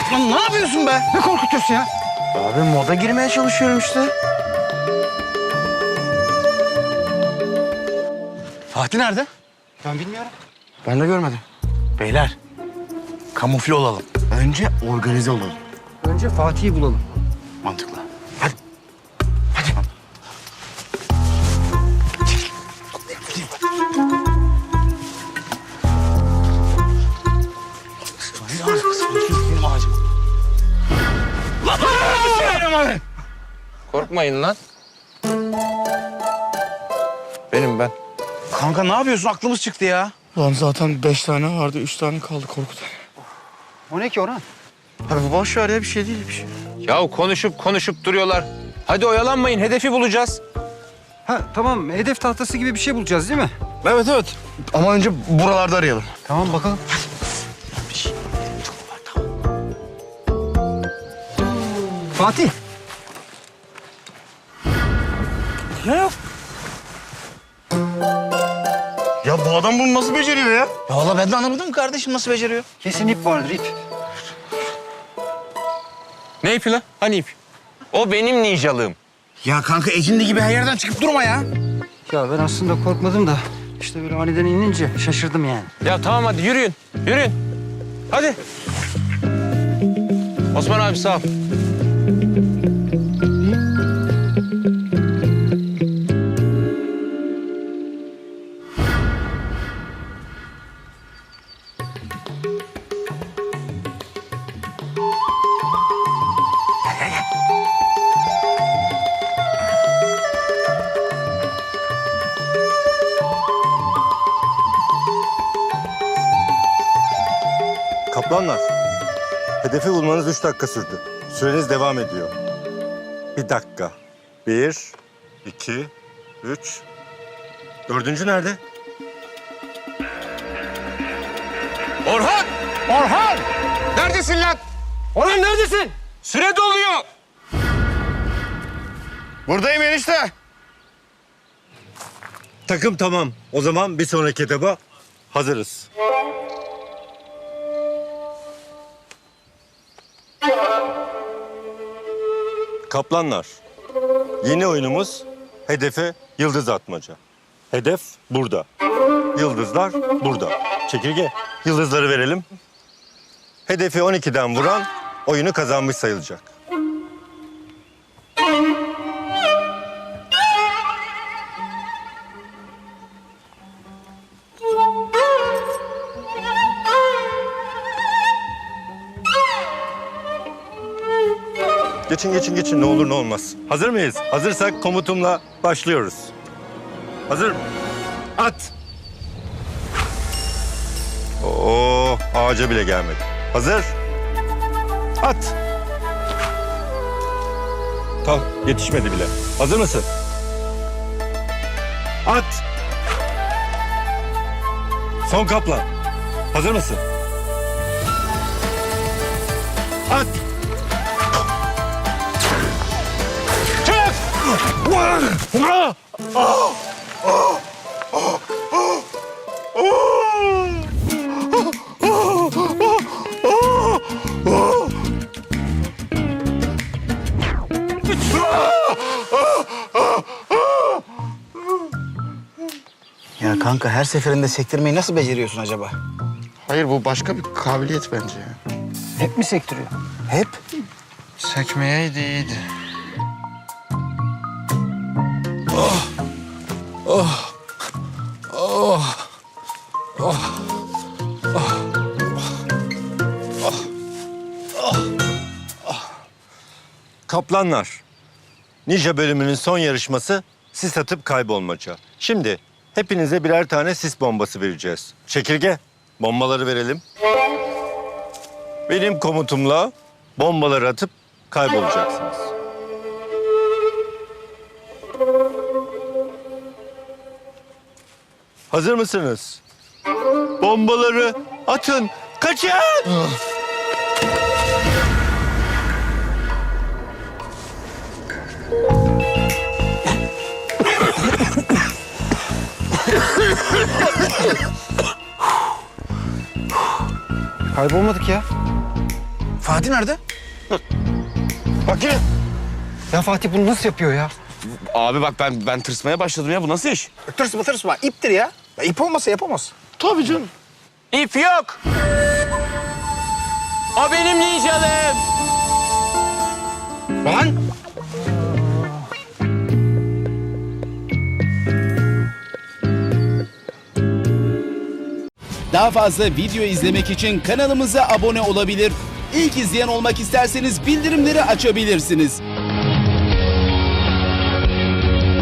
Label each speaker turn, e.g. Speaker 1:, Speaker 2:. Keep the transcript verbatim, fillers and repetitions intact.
Speaker 1: Lan ne yapıyorsun be? Ne korkutuyorsun ya?
Speaker 2: Abi moda girmeye çalışıyorum işte.
Speaker 1: Fatih nerede? Ben bilmiyorum.
Speaker 2: Ben de görmedim.
Speaker 1: Beyler, kamufle olalım.
Speaker 2: Önce organize olalım.
Speaker 3: Önce Fatih'i bulalım.
Speaker 1: Mantıklı.
Speaker 2: Hadi. Hadi.
Speaker 1: Benim ağacım. Lan benim ağacım.
Speaker 4: Korkmayın lan. Benim ben.
Speaker 1: Kanka ne yapıyorsun? Aklımız çıktı ya.
Speaker 2: Lan zaten beş tane vardı, üç tane kaldı korkudan.
Speaker 3: O ne ki Orhan?
Speaker 2: Abi boş ver ya, bir şey değil bir şey.
Speaker 4: Ya konuşup konuşup duruyorlar. Hadi oyalanmayın, hedefi bulacağız.
Speaker 3: Ha tamam, hedef tahtası gibi bir şey bulacağız değil mi?
Speaker 2: Evet evet. Ama önce buralarda arayalım.
Speaker 3: Tamam bakalım. Fatih.
Speaker 2: Ne yok? Ya bu adam bunu nasıl beceriyor ya?
Speaker 1: Ya valla ben de anlamadım kardeşim nasıl beceriyor.
Speaker 3: Kesin ip vardır ip.
Speaker 4: Ne ipi lan? Hani ip? O benim ninjalığım.
Speaker 1: Ya kanka ecindi gibi her yerden çıkıp durma ya.
Speaker 3: Ya ben aslında korkmadım da işte böyle aniden inince şaşırdım yani.
Speaker 4: Ya tamam hadi yürüyün, yürüyün. Hadi. Osman abi sağ ol.
Speaker 5: Kaplanlar, hedefi bulmanız üç dakika sürdü. Süreniz devam ediyor. Bir dakika. Bir, iki, üç. Dördüncü nerede?
Speaker 4: Orhan! Orhan! Neredesin lan?
Speaker 3: Orhan neredesin?
Speaker 4: Süre doluyor.
Speaker 2: Buradayım enişte.
Speaker 5: Takım tamam. O zaman bir sonraki etaba hazırız. Kaplanlar, yeni oyunumuz hedefe yıldız atmaca. Hedef burada. Yıldızlar burada. Çekirge, yıldızları verelim. Hedefi on ikiden vuran oyunu kazanmış sayılacak. Geçin, geçin, geçin. Ne olur ne olmaz. Hazır mıyız? Hazırsak komutumla başlıyoruz. Hazır mı? At! Oo, ağaca bile gelmedi. Hazır. At! Kalk, yetişmedi bile. Hazır mısın? At! Son kaplan. Hazır mısın? At!
Speaker 1: Ya kanka her seferinde sektirmeyi nasıl beceriyorsun acaba?
Speaker 2: Hayır, bu başka bir kabiliyet bence ya.
Speaker 3: Hep mi sektiriyor?
Speaker 1: Hep.
Speaker 2: Sekmeyeydi iyiydi.
Speaker 5: Kaplanlar, Ninja bölümünün son yarışması sis atıp kaybolmaca. Şimdi hepinize birer tane sis bombası vereceğiz. Çekirge, bombaları verelim. Benim komutumla bombaları atıp kaybolacaksınız. Hazır mısınız? Bombaları atın, kaçın!
Speaker 3: Kaybolmadık ya.
Speaker 1: Fatih nerede?
Speaker 2: Bak yine.
Speaker 3: Ya Fatih bunu nasıl yapıyor ya?
Speaker 2: Abi bak ben ben tırsmaya başladım ya. Bu nasıl iş?
Speaker 1: Tırsma tırsma. İptir ya. ya. İp olmasa yapamaz.
Speaker 2: Tabii canım.
Speaker 4: İp yok. O benim ninjalım.
Speaker 1: Lan!
Speaker 6: Daha fazla video izlemek için kanalımıza abone olabilir. İlk izleyen olmak isterseniz bildirimleri açabilirsiniz.